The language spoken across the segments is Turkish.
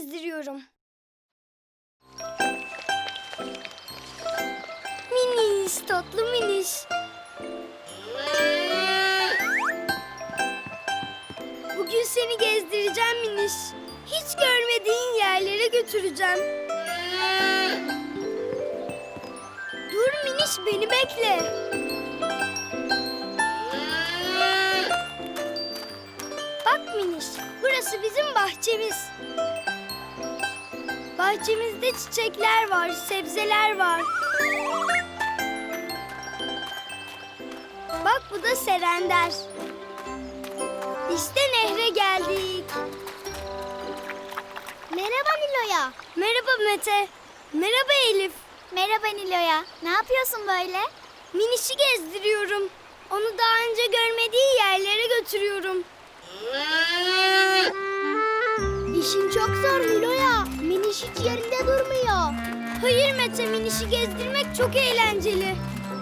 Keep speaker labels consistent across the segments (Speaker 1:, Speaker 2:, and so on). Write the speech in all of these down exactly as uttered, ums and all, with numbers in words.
Speaker 1: gezdiriyorum. Miniş, tatlı miniş. Bugün seni gezdireceğim miniş. Hiç görmediğin yerlere götüreceğim. Dur miniş, beni bekle. Bak miniş, burası bizim bahçemiz. Bahçemizde çiçekler var, sebzeler var. Bak bu da serender. İşte nehre geldik.
Speaker 2: Merhaba Nilo'ya.
Speaker 1: Merhaba Mete. Merhaba Elif.
Speaker 2: Merhaba Nilo'ya. Ne yapıyorsun böyle?
Speaker 1: Minişi gezdiriyorum. Onu daha önce görmediği yerlere götürüyorum.
Speaker 2: İşin çok zor Nilo'ya. Miniş hiç yerinde durmuyor.
Speaker 1: Hayır Mete, Minişi gezdirmek çok eğlenceli.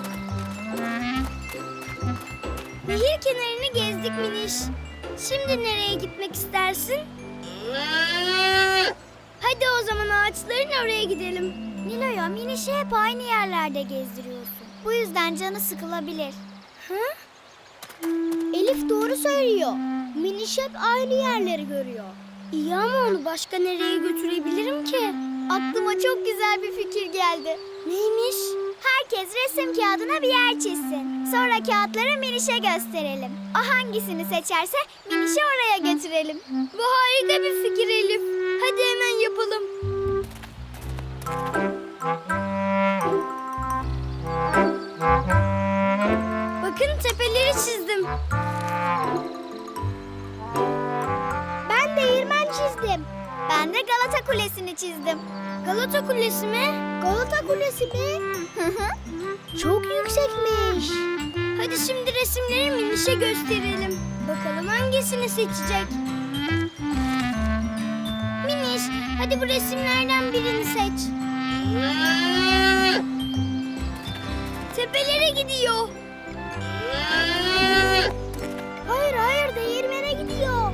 Speaker 1: Nehir kenarını gezdik Miniş. Şimdi nereye gitmek istersin? Hadi o zaman ağaçların oraya gidelim.
Speaker 2: Nilo'ya Miniş'i hep aynı yerlerde gezdiriyorsun. Bu yüzden canı sıkılabilir.
Speaker 1: Hı?
Speaker 2: Elif doğru söylüyor. Miniş hep aynı yerleri görüyor.
Speaker 1: İyi ama onu başka nereye götürebilirim ki?
Speaker 2: Aklıma çok güzel bir fikir geldi.
Speaker 1: Neymiş?
Speaker 2: Herkes resim kağıdına bir yer çizsin. Sonra kağıtları Miniş'e gösterelim. O hangisini seçerse Miniş'i oraya götürelim.
Speaker 1: Bu harika bir fikir Elif. Hadi hemen yapalım. Bakın tepeleri çizdim.
Speaker 2: Ben değirmen çizdim. Ben de Galata Kulesi'ni çizdim.
Speaker 1: Galata Kulesi mi?
Speaker 2: Galata Kulesi mi? Çok yüksekmiş.
Speaker 1: Hadi şimdi resimleri Miniş'e gösterelim. Bakalım hangisini seçecek? Miniş, hadi bu resimlerden birini seç. Tepelere gidiyor.
Speaker 2: Hayır hayır değirmene gidiyor.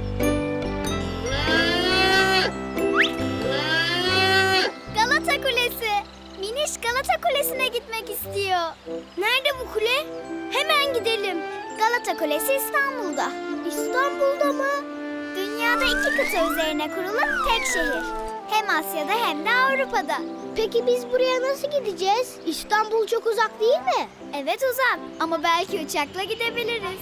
Speaker 2: Galata Kulesi. Miniş Galata Kulesi'ne gitmek istiyor.
Speaker 1: Nerede bu kule? Hemen gidelim.
Speaker 2: Galata Kulesi İstanbul'da. İstanbul'da mı? Dünyada iki kıta üzerine kurulu tek şehir. Hem Asya'da hem de Avrupa'da. Peki biz buraya nasıl gideceğiz? İstanbul çok uzak değil mi? Evet uzak ama belki uçakla gidebiliriz.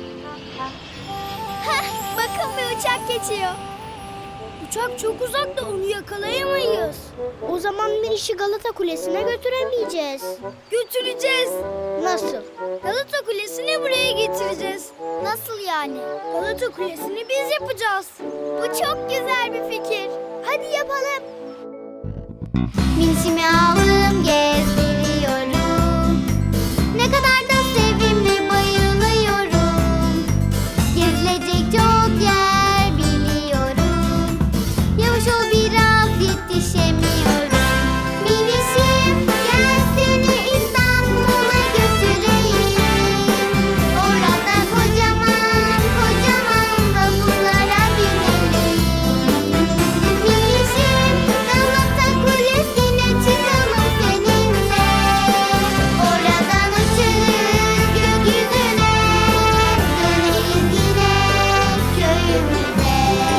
Speaker 2: Heh, bakın bir uçak geçiyor.
Speaker 1: Uçak çok uzakta, onu yakalayamayız.
Speaker 2: O zaman Miniş'i Galata Kulesi'ne götüremeyeceğiz.
Speaker 1: Götüreceğiz.
Speaker 2: Nasıl?
Speaker 1: Galata Kulesi'ni buraya getireceğiz.
Speaker 2: Nasıl yani?
Speaker 1: Galata Kulesi'ni biz yapacağız.
Speaker 2: Bu çok güzel bir fikir. Hadi yapalım. Minişimi aldım gezdiriyorum. Ne kadar da sevimli bayılıyorum. Gezilecek çok yer biliyorum. Yavaş ol biraz yetişemiyorum. Minişim gel seni İstanbul'a götüreyim. Orada kocaman kocaman vapurlara binelim. Minişim Galata Kulesi'ne çıkalım seninle. Oradan uçuruz gökyüzüne. Döneriz yine köyümüze.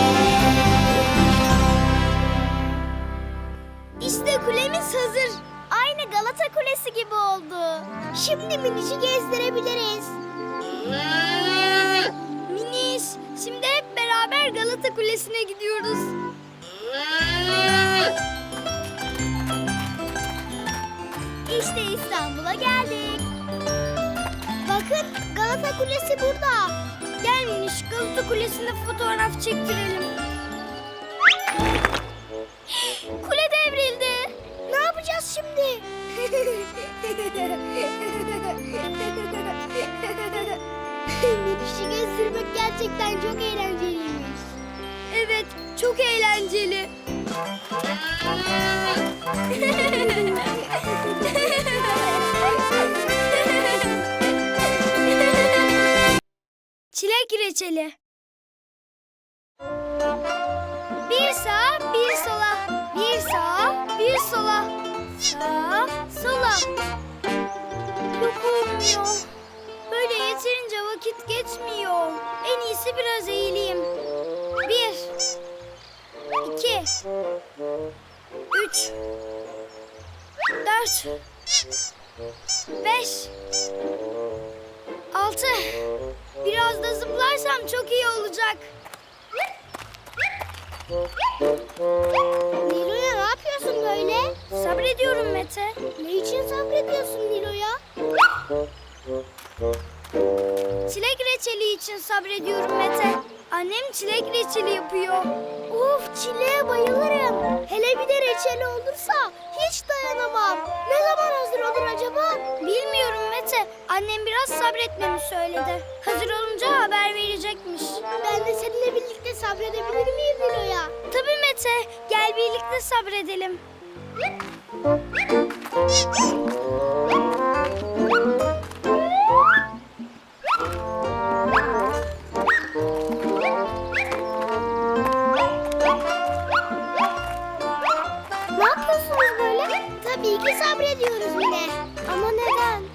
Speaker 1: İşte kulemiz hazır.
Speaker 2: Aynı Galata Kulesi gibi oldu. Şimdi Miniş'i gezdirebiliriz.
Speaker 1: Miniş, şimdi hep beraber Galata Kulesi'ne gidiyoruz.
Speaker 2: İşte İstanbul'a geldik. Bakın Galata Kulesi burada.
Speaker 1: Gel Miniş, Galata Kulesi'nde fotoğraf çektirelim.
Speaker 2: Kule devrildi. Ne yapacağız şimdi? Miniş'i gezdirmek gerçekten çok eğlenceliymiş.
Speaker 1: Evet, çok eğlenceli. Çilek reçeli. Bir sağa bir sola Yok olmuyor. Böyle yeterince vakit geçmiyor. En iyisi biraz eğileyim. Bir. iki. Üç. Dört. Beş. Altı. Biraz da zıplarsam çok iyi olacak.
Speaker 2: Nilo'ya ne yapıyorsun böyle?
Speaker 1: Sabrediyorum Mete.
Speaker 2: Ne için sabrediyorsun Nilo'ya?
Speaker 1: Çilek reçeli için sabrediyorum Mete. Annem çilek reçeli yapıyor.
Speaker 2: Of, çileğe bayılırım. Hele bir de reçeli olursa hiç dayanamam. Ne zaman hazır olur acaba?
Speaker 1: Bilmiyorum Mete. Annem biraz sabretmemi söyledi. Hazır olunca haber verecekmiş.
Speaker 2: Ben de seninle birlikte sabredebilir miyim Nilo'ya?
Speaker 1: Tabii Mete. Gel birlikte sabredelim.
Speaker 2: Ne yapıyorsunuz böyle? Tabii ki sabrediyoruz yine. Ama neden?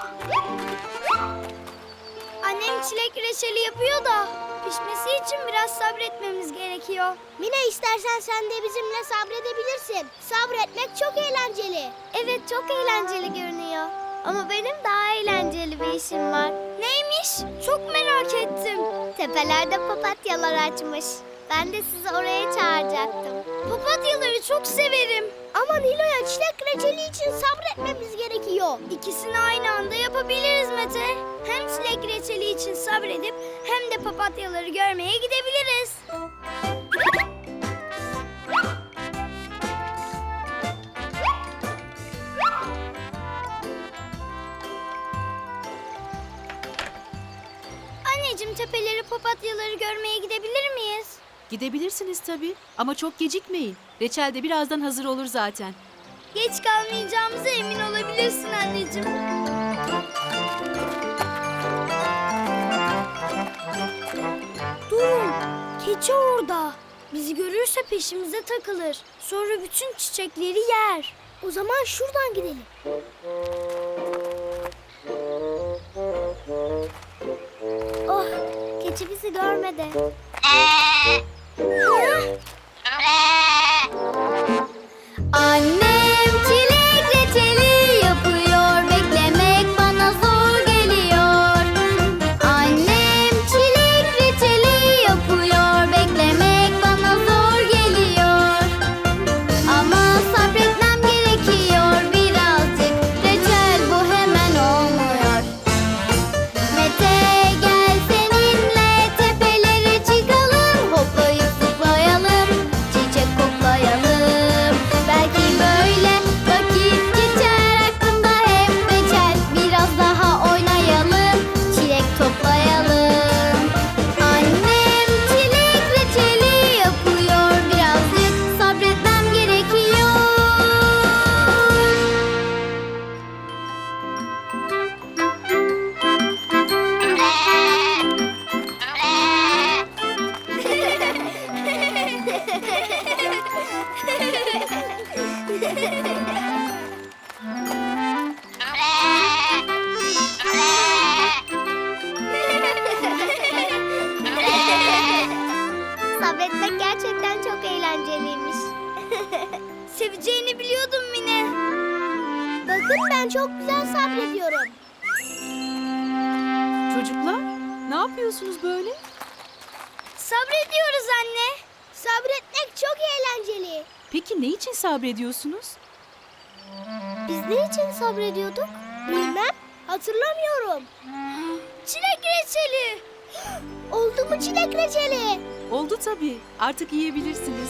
Speaker 1: Annem çilek reçeli yapıyor da pişmesi için biraz sabretmemiz gerekiyor.
Speaker 2: Mine, istersen sen de bizimle sabredebilirsin. Sabretmek çok eğlenceli. Evet, çok eğlenceli görünüyor. Ama benim daha eğlenceli bir işim var.
Speaker 1: Neymiş? Çok merak ettim.
Speaker 2: Tepelerde papatyalar açmış. Ben de sizi oraya çağıracaktım.
Speaker 1: Papatyaları çok severim.
Speaker 2: Ama Nilo'ya çilek reçeli için sabretmemiz gerekiyor.
Speaker 1: İkisini aynı anda yapabiliriz Mete. Hem çilek reçeli için sabredip hem de papatyaları görmeye gidebiliriz. Anneciğim, tepeleri papatyaları görmeye gidebilir miyiz?
Speaker 3: Gidebilirsiniz tabii ama çok gecikmeyin. Reçel de birazdan hazır olur zaten.
Speaker 1: Geç kalmayacağımıza emin olabilirsin anneciğim. Durun, keçi orada. Bizi görürse peşimize takılır. Sonra bütün çiçekleri yer.
Speaker 2: O zaman şuradan gidelim. Oh, keçi bizi görmedi. Annem çilek reçeli yapıyor, beklemek bana zor geliyor. Annem çilek reçeli yapıyor, beklemek bana zor geliyor. Ama sabretmem gerekiyor birazcık, reçel bu hemen olmuyor. Mete, gel seninle tepelere çıkalım, hoplayıp zıplayalım, çiçek koklayalım. Belki böyle vakit geçer, aklımda hep reçel. Biraz daha oynayalım, çilek toplayalım. Annem çilek reçeli yapıyor, birazcık sabretmem gerekiyor. Sabretmek gerçekten çok eğlenceliymiş.
Speaker 1: Seveceğini biliyordum Mine.
Speaker 2: Bakın, ben çok güzel sabrediyorum.
Speaker 3: Çocuklar ne yapıyorsunuz böyle?
Speaker 1: Sabrediyoruz anne.
Speaker 2: Sabretmek çok eğlenceli.
Speaker 3: Peki ne için sabrediyorsunuz?
Speaker 2: Biz ne için sabrediyorduk? Bilmem, hatırlamıyorum.
Speaker 1: Çilek reçeli.
Speaker 2: Oldu mu çilek reçeli?
Speaker 3: Oldu tabii. Artık yiyebilirsiniz.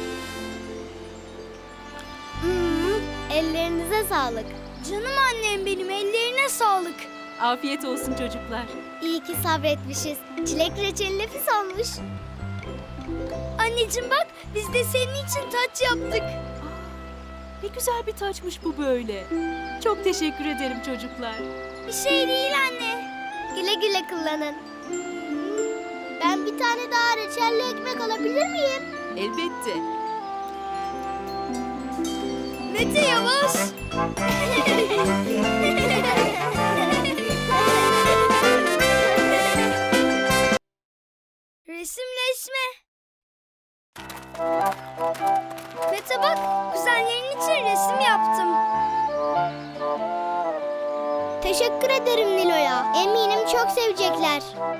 Speaker 2: Hmm, ellerinize sağlık.
Speaker 1: Canım annem benim, ellerine sağlık.
Speaker 3: Afiyet olsun çocuklar.
Speaker 2: İyi ki sabretmişiz. Çilek reçeli nefis olmuş.
Speaker 1: Anneciğim bak, biz de senin için taç yaptık.
Speaker 3: Ne güzel bir taçmış bu böyle. Çok teşekkür ederim çocuklar.
Speaker 1: Bir şey değil anne.
Speaker 2: Güle güle kullanın. Ben bir tane daha reçelli ekmek alabilir miyim?
Speaker 3: Elbette.
Speaker 1: Mete yavaş. Resimleşme. Mete bak, kuzenlerin için resim yaptım.
Speaker 2: Teşekkür ederim Nilo'ya. Eminim çok sevecekler.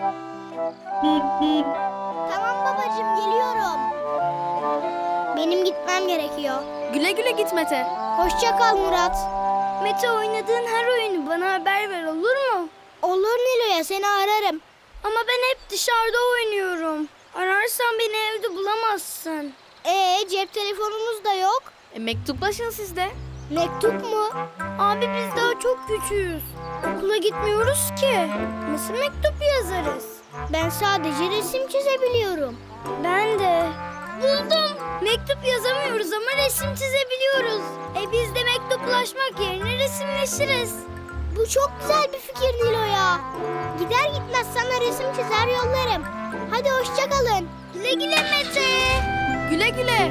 Speaker 2: Tamam babacığım, geliyorum. Benim gitmem gerekiyor.
Speaker 1: Güle güle git Mete.
Speaker 2: Hoşça kal Murat.
Speaker 1: Mete, oynadığın her oyunu bana haber ver, olur mu?
Speaker 2: Olur Nilo'ya, seni ararım.
Speaker 1: Ama ben hep dışarıda oynuyorum. Ararsan beni evde bulamazsın.
Speaker 2: Ee, cep telefonumuz da yok.
Speaker 1: E, mektuplaşın siz de.
Speaker 2: Mektup mu?
Speaker 1: Abi biz daha çok küçüğüz. Okula gitmiyoruz ki. Nasıl mektup yazarız?
Speaker 2: Ben sadece resim çizebiliyorum.
Speaker 1: Ben de. Buldum. Mektup yazamıyoruz ama resim çizebiliyoruz. E biz de mektuplaşmak yerine resimleşiriz.
Speaker 2: Bu çok güzel bir fikir Nilo'ya. Gider gitmez sana resim çizer yollarım. Hadi hoşça kalın.
Speaker 1: Güle güle Mete. Güle güle.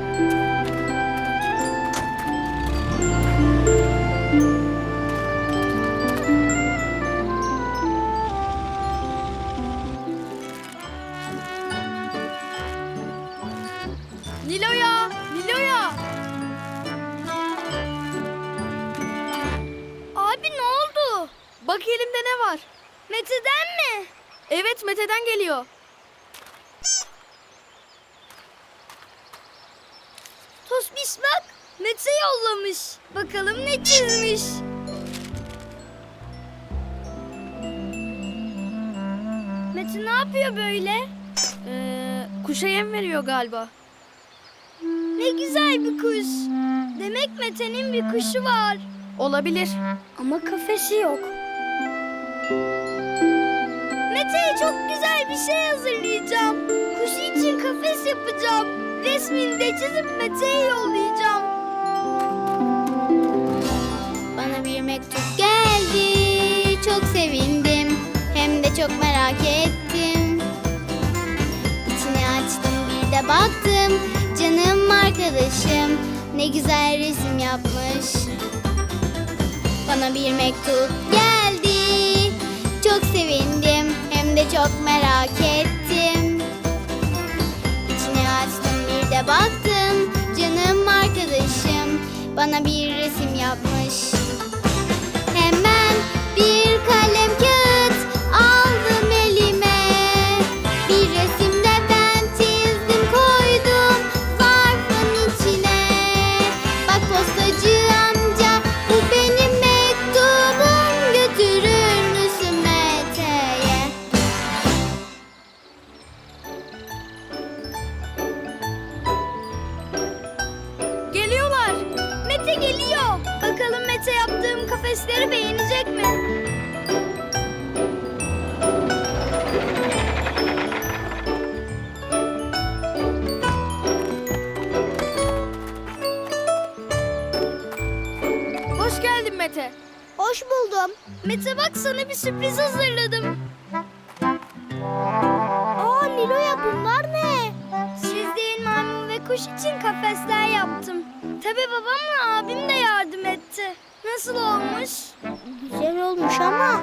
Speaker 1: Nilo'ya, Nilo'ya. Abi ne oldu? Bak elimde ne var? Mete'den mi? Evet, Mete'den geliyor. Tosbiş bak, Mete yollamış. Bakalım ne çizmiş. Mete ne yapıyor böyle? Ee, kuşa yem veriyor galiba. Ne güzel bir kuş. Demek Mete'nin bir kuşu var. Olabilir. Ama kafesi yok. Mete'ye çok güzel bir şey hazırlayacağım. Kuşu için kafes yapacağım. Resmini de çizip Mete'ye yollayacağım.
Speaker 2: Bana bir mektup geldi. Çok sevindim. Hem de çok merak ettim. İçini açtım, bir de baktım. Canım arkadaşım ne güzel resim yapmış. Bana bir mektup geldi. Çok sevindim. Hem de çok merak ettim. İçini açtım, bir de baktım. Canım arkadaşım bana bir resim yapmış. Hemen bir kalem kağıt aldım elime. Bir resim de ben çizdim, koydum zarfın içine. Bak postacı amca, bu benim mektubum. Götürür müsün Mete'ye?
Speaker 1: Geliyorlar. Mete geliyor. Bakalım Mete yaptığım kafesleri beğenecek mi? Hoş geldin Mete.
Speaker 2: Hoş buldum.
Speaker 1: Mete bak, sana bir sürpriz hazırladım.
Speaker 2: Aa Nilo'ya, bunlar ne?
Speaker 1: Çizdiğin maymun ve kuş için kafesler yaptım. Tabii babamla abim de yardım etti. Nasıl olmuş?
Speaker 2: Güzel olmuş ama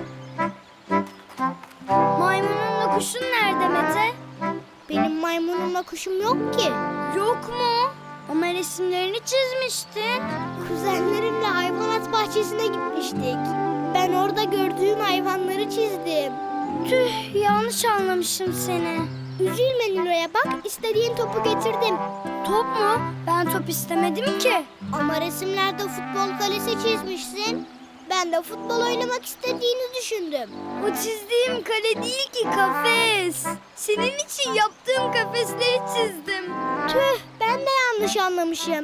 Speaker 1: Maymununla kuşun nerede Mete?
Speaker 2: benim maymunumla kuşum yok ki.
Speaker 1: Yok mu? Ama resimlerini çizmiştin.
Speaker 2: Kuzenlerimle hayvanat bahçesine gitmiştik. Ben orada gördüğüm hayvanları çizdim.
Speaker 1: Tüh, yanlış anlamışım seni.
Speaker 2: Üzülme Nilo'ya, bak istediğin topu getirdim.
Speaker 1: Top mu? Ben top istemedim ki.
Speaker 2: Ama resimlerde futbol kalesi çizmişsin. Ben de futbol oynamak istediğini düşündüm.
Speaker 1: O çizdiğim kale değil ki, kafes. Senin için yaptığım kafesleri çizdim.
Speaker 2: Tüh, ben de yanlış anlamışım.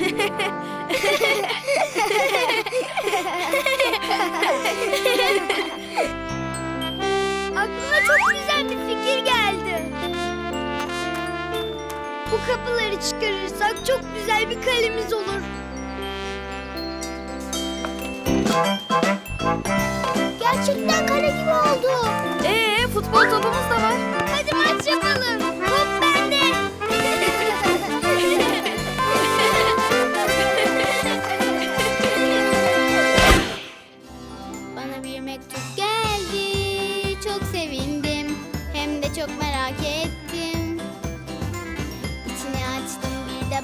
Speaker 1: Aklıma çok güzel bir fikir geldi. Bu kapıları çıkarırsak çok güzel bir kalemiz olur.
Speaker 2: Gerçekten kale gibi oldu.
Speaker 1: Ee, futbol topumuz da var. Hadi maç yapalım. Top bende.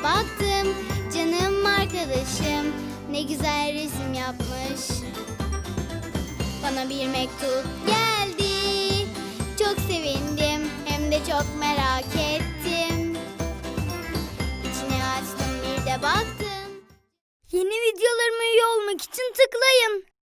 Speaker 2: baktım. Canım arkadaşım ne güzel resim yapmış. Bana bir mektup geldi. Çok sevindim hem de çok merak ettim. İçine açtım bir de baktım.
Speaker 1: Yeni videolarıma üye olmak için tıklayın.